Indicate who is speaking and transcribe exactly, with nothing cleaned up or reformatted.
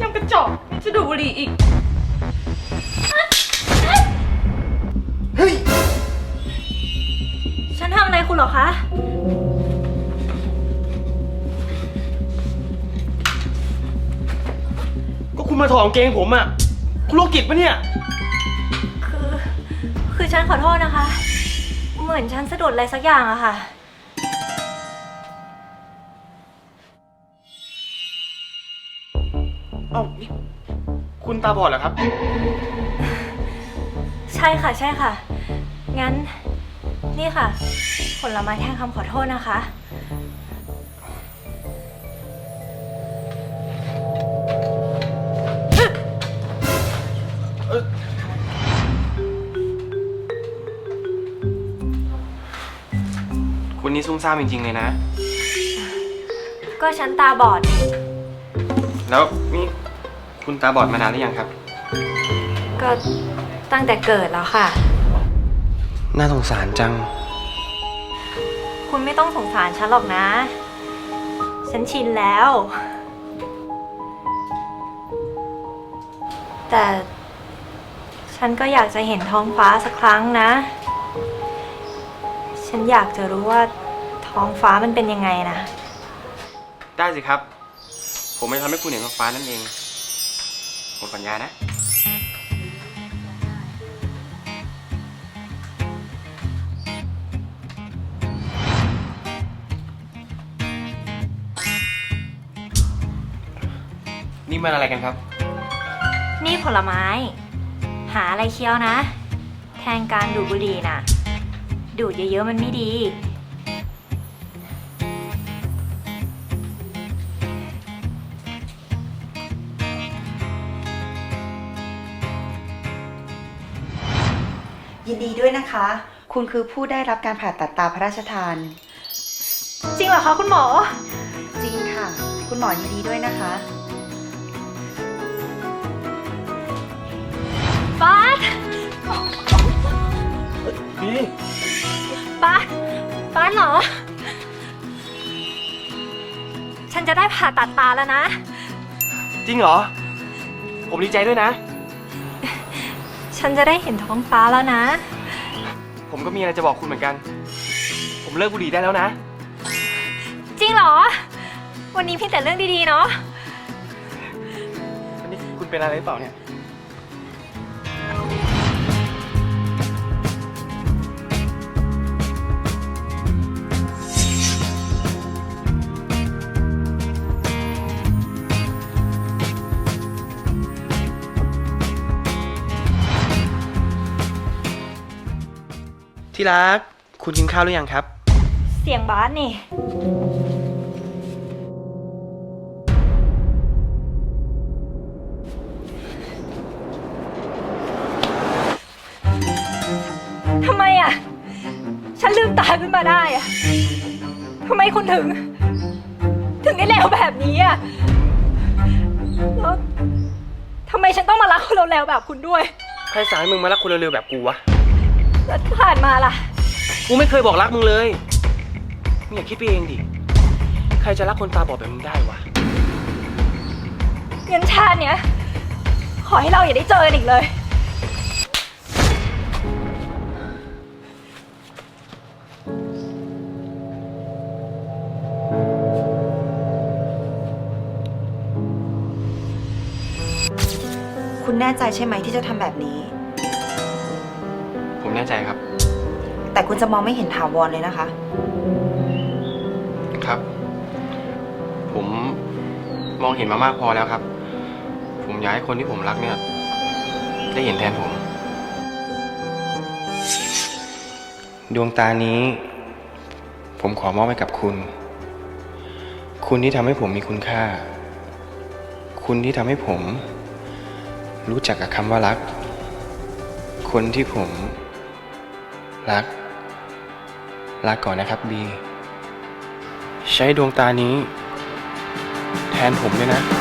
Speaker 1: กระจอกจะดูดบุหรี่อีก
Speaker 2: เฮ้ย
Speaker 1: ฉันทำอะไรคุณหรอคะ
Speaker 2: ก็คุณมาถอดกางเกงผมอะคุณโรคจิตปะเนี่ย
Speaker 1: คือคือฉันขอโทษนะคะเหมือนฉันสะดุดอะไรสักอย่างอะค่ะ
Speaker 2: เอ้านี่คุณตาบอดเหรอครับ
Speaker 1: ใช่ค่ะใช่ค่ะงั้นนี่ค่ะผลไม้แทนคำขอโทษนะคะ
Speaker 2: คุณนี่ซุ่มซ่ามจริงๆเลยนะ
Speaker 1: ก็ฉันตาบอดนี่
Speaker 2: แล้วนี่คุณตาบอดมานานหรือยังครับ
Speaker 1: ก็ตั้งแต่เกิดแล้วค่ะ
Speaker 2: น่าสงสารจัง
Speaker 1: คุณไม่ต้องสงสารฉันหรอกนะฉันชินแล้วแต่ฉันก็อยากจะเห็นท้องฟ้าสักครั้งนะฉันอยากจะรู้ว่าท้องฟ้ามันเป็นยังไงนะ
Speaker 2: ได้สิครับผมจะทำให้คุณเห็นท้องฟ้านั่นเองผมสัญญานะนี่มันอะไรกันครับ
Speaker 1: นี่ผลไม้หาอะไรเคี้ยวนะแทนการดูดบุหรี่น่ะดูดเยอะๆมันไม่ดี
Speaker 3: ยินดีด้วยนะคะคุณคือผู้ได้รับการผ่าตัดตาพระราชทาน
Speaker 1: จริงเหรอคะคุณหมอ
Speaker 3: จริงค่ะคุณหมอยินดีด้วยนะคะ
Speaker 1: บาส
Speaker 2: บี
Speaker 1: บาสบาสเหรอฉันจะได้ผ่าตัดตาแล้วนะ
Speaker 2: จริงเหรอผมดีใจด้วยนะ
Speaker 1: ฉันจะได้เห็นท้องฟ้าแล้วนะ
Speaker 2: ผมก็มีอะไรจะบอกคุณเหมือนกันผมเลิกบุหรี่ได้แล้วนะ
Speaker 1: จริงเหรอวันนี้พี่แต่เรื่องดีๆเนาะ
Speaker 2: วันนี้คุณเป็นอะไรหรือเปล่าเนี่ยที่รักคุณกินข้าวหรือยังครับ
Speaker 1: เสียงบาสนี่ทำไมอ่ะฉันลืมตาขึ้นมาได้อ่ะทำไมคุณถึงถึงได้เลวแบบนี้อ่ะแล้วทำไมฉันต้องมารักคนเลวๆแบบคุณด้วย
Speaker 2: ใครสั่งให้มึงมารักคนเร็วๆแบบกูวะ
Speaker 1: แล้วที่ผ่านมาล่ะ
Speaker 2: กูไม่เคยบอกรักมึงเลยมึงอย่าคิดไปเองดิใครจะรักคนตาบอดแบบมึงได้วะ
Speaker 1: เงินชาติเนี้ยขอให้เราอย่าได้เจอกันอีกเลย
Speaker 3: คุณแน่ใจใช่ไหมที่จะทำแบบนี้
Speaker 2: ผมแน่ใจครับ
Speaker 3: แต่คุณจะมองไม่เห็นถาวรเลยนะคะ
Speaker 2: ครับผมมองเห็นมามากพอแล้วครับผมอยากให้คนที่ผมรักเนี่ยได้เห็นแทนผมดวงตานี้ผมขอมอบให้กับคุณคุณที่ทำให้ผมมีคุณค่าคุณที่ทำให้ผมรู้จักกับคำว่ารักคนที่ผมรักลาก่อนนะครับบีใช้ดวงตานี้แทนผมด้วยนะ